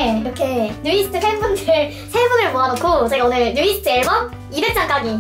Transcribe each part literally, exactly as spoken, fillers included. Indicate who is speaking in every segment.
Speaker 1: 중에 이렇게 뉴이스트 팬분들 세 분을 모아놓고 제가 오늘 뉴이스트 앨범 이백 장 까기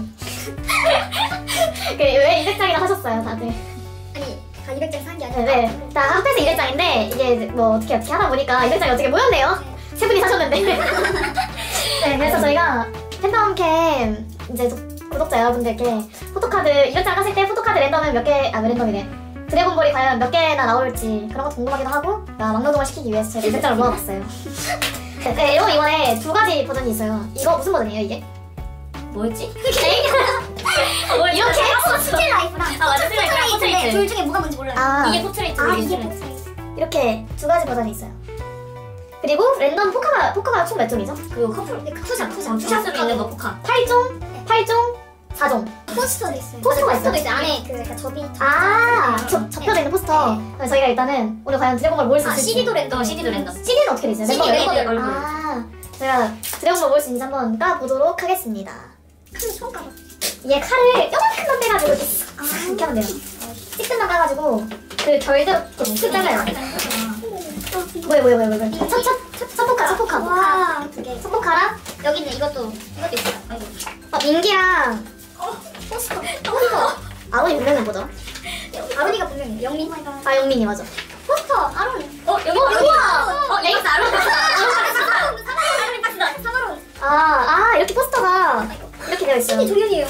Speaker 1: 왜 이백 장이나 사셨어요 다들?
Speaker 2: 아니 다 이백 장 산 게 아니라
Speaker 1: 네, 다 합해서 이백 장인데 이게 뭐 어떻게 어떻게 하다 보니까 이백 장이 어떻게 모였네요. 네. 세 분이 사셨는데 네, 그래서 저희가 팬덤캠 이제 구독자 여러분들께 포토카드 이백 장 깠을 때 포토카드 랜덤은 몇 개, 아 랜덤이네 드래곤볼이 과연 몇 개나 나올지 그런 것도 궁금하기도 하고 막노동을 시키기 위해서 제가 이백 장을 모아봤어요. 네, 앨범 이번에 두 가지 버전이 있어요. 이거 무슨 버전이에요 이게?
Speaker 3: 뭐였지?
Speaker 1: 뭐 이렇게?
Speaker 2: 스틸 라이프랑
Speaker 3: 아 맞아, 스틸 라이프랑 포트레이트.
Speaker 2: 둘 중에 뭐가 뭔지 몰라요.
Speaker 1: 아,
Speaker 3: 이게 포트레이트.
Speaker 2: 아 이게 포트레이트.
Speaker 1: 이렇게 두 가지 버전이 있어요. 그리고 랜덤 포카가, 포카가 총 몇 종이죠?
Speaker 3: 그리고 커플 투샷 투샷 투샷으로 있는 거 포카.
Speaker 1: 팔 종, 팔 종, 사 종.
Speaker 2: 포스터도 있어요.
Speaker 1: 포스터가 있어요?
Speaker 2: 포스터도 있어요. 안에 그 약간 접이
Speaker 1: 아, 접, 접혀져 있는 포스터. 그럼 저희가 일단은 오늘 과연 드래곤볼 모을 수
Speaker 3: 아
Speaker 1: 있을지.
Speaker 3: 씨디도 랜덤, 씨디도 랜덤.
Speaker 1: 씨디는 어떻게 되죠?
Speaker 3: 씨디
Speaker 1: 멤버
Speaker 3: 멤버들
Speaker 1: 멤버들
Speaker 3: 얼굴.
Speaker 1: 아, 제가 드래곤볼 모을 수 있는지 한번 까보도록 하겠습니다.
Speaker 2: 칼로 처음 까봐.
Speaker 1: 얘 칼을 요만큼만 빼가지고 이렇게 쓱
Speaker 2: 아,
Speaker 1: 이렇게 하면 돼요. 찌끈만 까가지고 그 결들 그 잘라요. 뭐야 뭐야 뭐야 뭐야. 첫첫 첫포카 첫포카.
Speaker 2: 와, 두 개.
Speaker 1: 첫포카랑
Speaker 2: 여기 있네. 이것도 이것도 있어요. 아이고.
Speaker 1: 어, 민기랑
Speaker 2: 포스터.
Speaker 1: 포스터. 아론이 분명히 뭐죠?
Speaker 2: 아론이가 분명히 영민.
Speaker 1: 아 영민이 맞아.
Speaker 2: 포스터 아론.
Speaker 3: 어 여기
Speaker 1: 어,
Speaker 3: 바로
Speaker 1: 우와!
Speaker 3: 어 여기서 아론 박스다.
Speaker 2: 사마론. 사마론 박스다. 사마론.
Speaker 1: 아, 아 이렇게 포스터가 이렇게 되어 있어요.
Speaker 2: 씨디 종현이에요.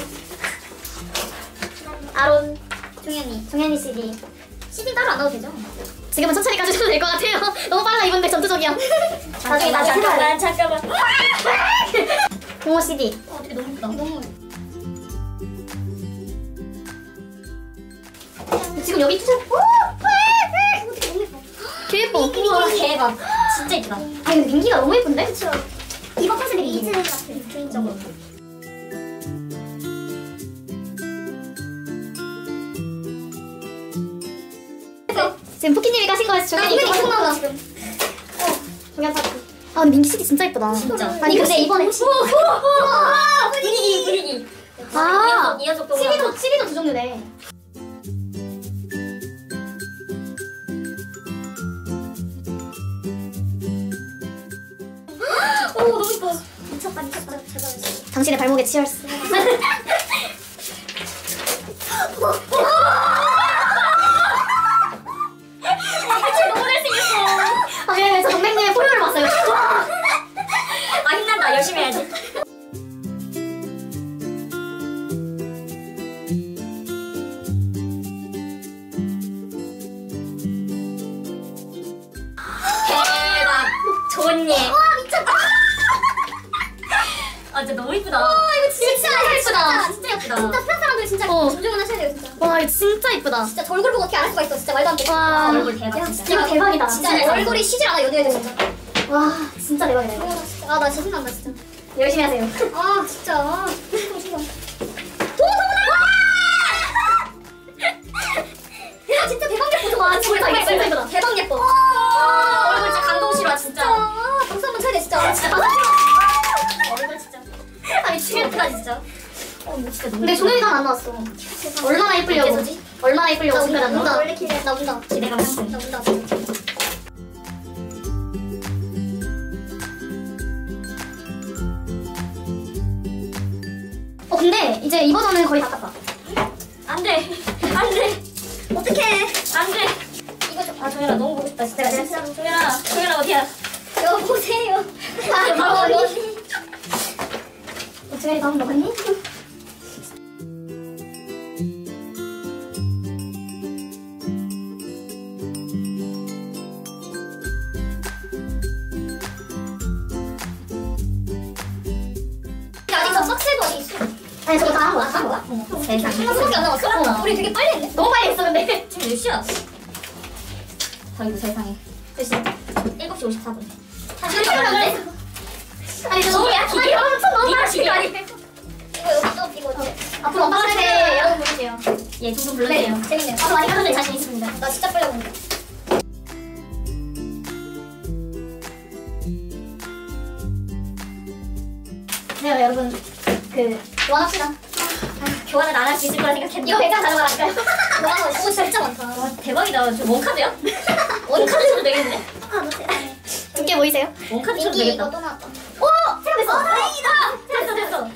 Speaker 1: 아론,
Speaker 2: 종현이.
Speaker 1: 종현이 씨디.
Speaker 2: 씨디 따로 안 넣어도 되죠?
Speaker 1: 지금은 천천히 가주셔도 될 것 같아요. 너무 빨라 이분들 전투적이야. 나중에 나중에 해봐요.
Speaker 3: 잠깐만 잠깐만.
Speaker 1: 동호 씨디.
Speaker 2: 어, 되게 너무 예쁘다. 너무.
Speaker 1: 지금 여기 투자. 오!
Speaker 2: 되게 너무 예뻐.
Speaker 1: 개 예뻐.
Speaker 3: 우와 대박. 진짜 예쁘다.
Speaker 1: 아니 근데 민기가 너무 예쁜데?
Speaker 2: 그쵸. 이번 컨셉이 이즈 같은 개인적으로.
Speaker 1: 지금 포키님이 가신 거에서 종현이
Speaker 2: 종현이
Speaker 1: 이거
Speaker 2: 나온다
Speaker 1: 하는
Speaker 2: 지금.
Speaker 1: 종현 파트. 아 근데 민기 씨디 진짜 예쁘다.
Speaker 3: 진짜.
Speaker 1: 아니 근데 이번에
Speaker 3: 우와 분위기 분위기.
Speaker 1: 아
Speaker 3: 이어적 동안.
Speaker 1: 씨디도 씨디도 두 종류네.
Speaker 2: 오 너무 예뻐. 미쳤다 미쳤다. 잘 나왔어.
Speaker 1: 당신의 발목에 치얼스.
Speaker 3: 너무 잘생겼어.
Speaker 1: 아 미안해 저 동맹님의 포효를 봤어요.
Speaker 3: 아 힘난다. 열심히 해야지. 대박. 좋은 예.
Speaker 2: 와 미쳤다.
Speaker 3: 아 진짜 너무 예쁘다.
Speaker 2: 와 이거 진짜 예쁘다.
Speaker 3: 진짜 예쁘다.
Speaker 2: 진짜 스타 사람들 진짜
Speaker 1: 어.
Speaker 2: 존중은 하셔야 돼요 진짜.
Speaker 1: 와 이거 진짜 예쁘다.
Speaker 2: 진짜 저 얼굴 보고 어떻게 알 수가 있어. 진짜 말도 안 돼.
Speaker 1: 와
Speaker 3: 얼굴 대박
Speaker 2: 야,
Speaker 3: 진짜.
Speaker 1: 이거 대박이다.
Speaker 2: 진짜
Speaker 3: 진짜
Speaker 2: 얼굴이 쉬질 않아 연애해도 진짜.
Speaker 1: 와 진짜 대박이다.
Speaker 2: 아,
Speaker 1: 이거.
Speaker 2: 나 진짜 아 나 진짜 신난다 진짜.
Speaker 1: 열심히 하세요.
Speaker 2: 아 진짜. 아, 지금. 야 진짜 대박 예뻐.
Speaker 1: 와 진짜 예쁘다. 진짜 예쁘다.
Speaker 2: 대박 예뻐.
Speaker 3: 아, 얼굴 진짜 감동시러 진짜.
Speaker 2: 아, 박수 한번 쳐야 돼 진짜.
Speaker 3: 진짜. 얼굴 진짜.
Speaker 1: 아 미치겠다.
Speaker 3: 예쁘다 진짜. 어, 뭐 진짜 너무.
Speaker 1: 근데 종현이가 안 나왔어. 얼마나 예쁘려고.
Speaker 3: 어째서지?
Speaker 1: 얼마나 예쁘려고
Speaker 2: 나
Speaker 1: 준비를
Speaker 2: 운다.
Speaker 1: 안
Speaker 2: 나
Speaker 1: 나와.
Speaker 2: 원래 기대. 나 운다.
Speaker 3: 기대가 많지.
Speaker 2: 나 운다.
Speaker 1: 어 근데 이제 이 버전은 거의 다 깠다.
Speaker 3: 안 돼. 안 돼.
Speaker 2: 어떡해.
Speaker 3: 안 돼.
Speaker 2: 이거 좀.
Speaker 3: 아, 종현아 너무 보고 싶다. 진짜.
Speaker 2: 진짜.
Speaker 3: 종현아, 종현아 어디야?
Speaker 2: 여보세요.
Speaker 1: 아,
Speaker 2: 바로
Speaker 1: 어,
Speaker 2: 여기.
Speaker 1: 종현이 밥 먹었니?
Speaker 2: 아직 저 석쇠도 어디 있어?
Speaker 1: 아니 저거 다 한 거야.
Speaker 2: 한 거야?
Speaker 3: 세상.
Speaker 2: 하나밖에 안 남았어?
Speaker 1: 어.
Speaker 2: 우리 되게 빨리 했네.
Speaker 1: 너무 빨리 했어 근데.
Speaker 3: 지금 몇 시야? 아이고 세상에. 몇 시? 일곱 시 오십사 분.
Speaker 2: 한 시간 남았네.
Speaker 1: 아니 저 너무 약해. 아니 엄청 너무
Speaker 3: 니가
Speaker 1: 약해.
Speaker 3: 지금
Speaker 1: 아니.
Speaker 2: 이거 여기 또 이거 어때?
Speaker 1: 앞으로 엄마 세대 여러분 보여주세요.
Speaker 3: 예, 둥둥 불러주세요.
Speaker 2: 재밌네.
Speaker 1: 앞으로 많이 가는 데 자신 있습니다.
Speaker 2: 나 진짜 빨리 본다.
Speaker 1: 네 여러분 그 교환합시다.
Speaker 3: 교환을 안 할 수 있을 거라 생각했는데.
Speaker 1: 이거 백장 가져가니까요.
Speaker 2: 와, 이거 진짜 많다.
Speaker 3: 와, 대박이다. 저 원카드야? 원카드 줘도 되겠는데?
Speaker 2: 아, 너 세상에.
Speaker 1: 두께 인기에 보이세요?
Speaker 3: 원카드 쳐도
Speaker 2: 인기
Speaker 3: 되겠다.
Speaker 2: 이거 또 나왔다.
Speaker 1: 오! 생각됐어!
Speaker 2: 어, 다행이다.
Speaker 1: 됐어 됐어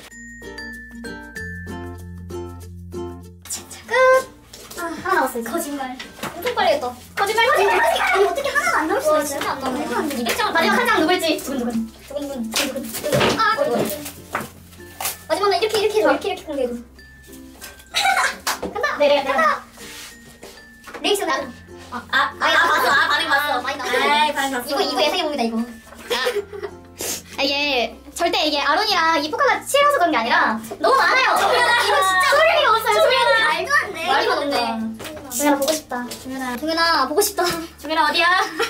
Speaker 1: 끝! 아, 하나 남았어 이제.
Speaker 2: 거짓말. 엄청 빨리 했다.
Speaker 1: 거짓말 거짓말
Speaker 2: 아니 어떻게 하나가 안 나올 수가
Speaker 3: 와,
Speaker 2: 있어요?
Speaker 3: 진짜 안 나오네.
Speaker 2: 말도 안 돼.
Speaker 3: 이백 장
Speaker 1: 마지막 한 장 누굴지 두근두근
Speaker 2: 두근두근 두근두근. 아,
Speaker 3: 어이구.
Speaker 2: 마지막에 이렇게 이렇게 해줘. 이렇게 이렇게 공개해줘.
Speaker 1: 간다! 네 내가 내가
Speaker 2: 리액션 나.
Speaker 3: 아, 아, 아, 봤어. 아, 반응 봤어.
Speaker 2: 많이 나왔어.
Speaker 3: 에이, 반응 봤어.
Speaker 2: 이거 이거 예상해 봅니다 이거.
Speaker 1: 아, 이게 절대 이게 아론이랑 이 포카가 싫어서 그런 게 아니라 너무 많아요.
Speaker 2: 정연아,
Speaker 1: 이거 진짜 소리가 없어요. 소리가.
Speaker 2: 말도 안 돼.
Speaker 3: 말도 안
Speaker 2: 이거
Speaker 3: 돼.
Speaker 2: 없네.
Speaker 1: 정연아 보고 싶다.
Speaker 3: 종현아,
Speaker 2: 동현아 보고 싶다.
Speaker 3: 종현아 어디야?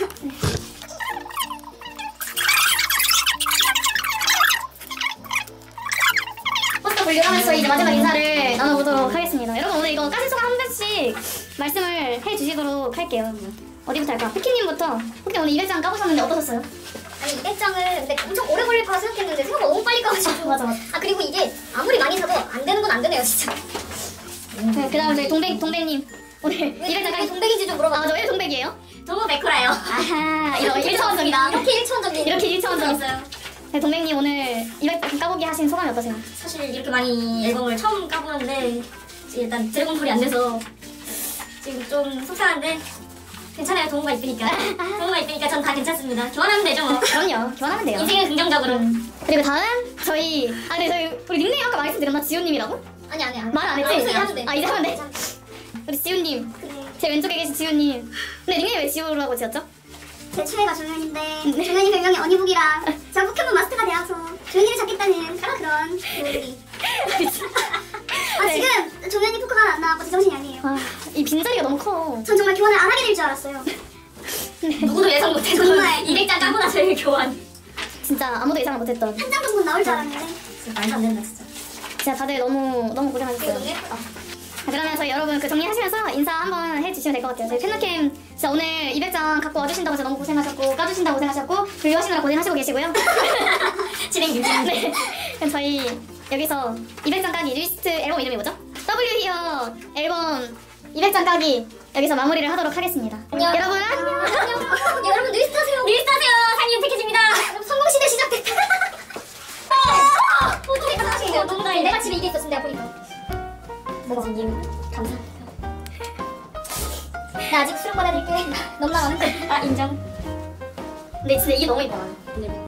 Speaker 1: 포스터 분류하면서 이제 마지막 인사를 나눠보도록 하겠습니다. 여러분 오늘 이거 까지소가 한 번씩 말씀을 해주시도록 할게요. 어디부터 할까? 피키님부터. 혹시 오늘 이백 장 까보셨는데 어떠셨어요?
Speaker 2: 아니 이백 장을 근데 엄청 오래 걸릴 거라 생각했는데 생각보다 너무 빨리 까가지고.
Speaker 1: 맞아 맞아.
Speaker 2: 아 그리고 이게 아무리 많이 사도 안 되는 건 안 되네요 진짜.
Speaker 1: 네, 그다음 저희 동백 동백님 오늘 이백 장
Speaker 2: 왜
Speaker 1: 까기.
Speaker 2: 동백인지 좀 물어봐.
Speaker 1: 아저 왜 동백이에요?
Speaker 3: 도모 백호라요.
Speaker 1: 아하 이거 일차원적이다.
Speaker 2: 이렇게 일차원적인.
Speaker 1: 이렇게 일차원적.
Speaker 3: 있어요.
Speaker 1: 네, 동백님 오늘 이백 장 까보기 하신 소감이 어떠세요?
Speaker 3: 사실 이렇게 많이 앨범을 처음 까보는데 일단 드래곤볼이 안 돼서 지금 좀 속상한데 괜찮아요. 도모가 있으니까. 도모가 있으니까 전 다 괜찮습니다. 교환하면 되죠 뭐.
Speaker 1: 그럼요. 교환하면 돼요.
Speaker 3: 인생은 긍정적으로.
Speaker 1: 그리고 다음 저희 아 근데 저희 우리 닉네임 아까 말씀드렸나? 지훈님이라고?
Speaker 2: 아니 아니 아니.
Speaker 1: 말 안 했지?
Speaker 2: 아, 이제 하면 돼.
Speaker 1: 아 이제 하면 돼? 우리 지훈님
Speaker 2: 그래.
Speaker 1: 제 왼쪽에 계신 지훈님 근데 닉네임 왜 지우라고 지었죠?
Speaker 2: 제 최애가 조현인데 조현이 별명이 어니북이라 제가 포켓몬 마스터가 되어서 조현이를 잡겠다는 그런 그런 노력이. 아
Speaker 1: 네.
Speaker 2: 지금 조현이 포커가 안 나왔고 제 정신이 아니에요.
Speaker 1: 아이 빈자리가 너무 커.
Speaker 2: 전 정말 교환을 안 하게 될 줄 알았어요.
Speaker 3: 누구도 예상 못해서
Speaker 2: 정말.
Speaker 3: 이백 장 까고 나서 이 교환.
Speaker 1: 진짜 아무도 예상을 못했던.
Speaker 2: 한 장 정도 나올 줄 알았는데.
Speaker 3: 진짜 말도 안 된다 진짜.
Speaker 1: 진짜 다들 너무 너무
Speaker 2: 이거
Speaker 1: 고생하셨어요.
Speaker 2: 너무 예쁘다.
Speaker 1: 자, 그러면 저희 여러분 그 정리하시면서 인사 한번 해주시면 될 것 같아요. 저희 팬노캠 진짜 오늘 이백 장 갖고 와주신다고 해서 너무 고생하셨고 까주신다고 고생하셨고 분류하시느라 고생하시고 계시고요.
Speaker 3: 진행 유지.
Speaker 1: 네. 그럼 저희 여기서 이백 장 까기 리스트 앨범 이름이 뭐죠? 더블유 히어 앨범 이백 장 까기 여기서 마무리를 하도록 하겠습니다.
Speaker 2: 안녕.
Speaker 1: 여러분 안녕.
Speaker 2: 안녕. 여러분 리스트 하세요.
Speaker 3: 리스트 하세요. 상님 패키지입니다.
Speaker 2: 성공시대 시작됐다.
Speaker 3: 어!
Speaker 2: 어떻게 가능하신데요?
Speaker 3: 농담이네.
Speaker 2: 내가 집에 이게 있었어 내가 보니까.
Speaker 3: 뭐지님 감사합니다.
Speaker 2: 나 아직 수령 받아드릴게. 너무 나가는데.
Speaker 3: 아 인정.
Speaker 1: 근데 진짜 이게 너무 이뻐요.
Speaker 3: 네.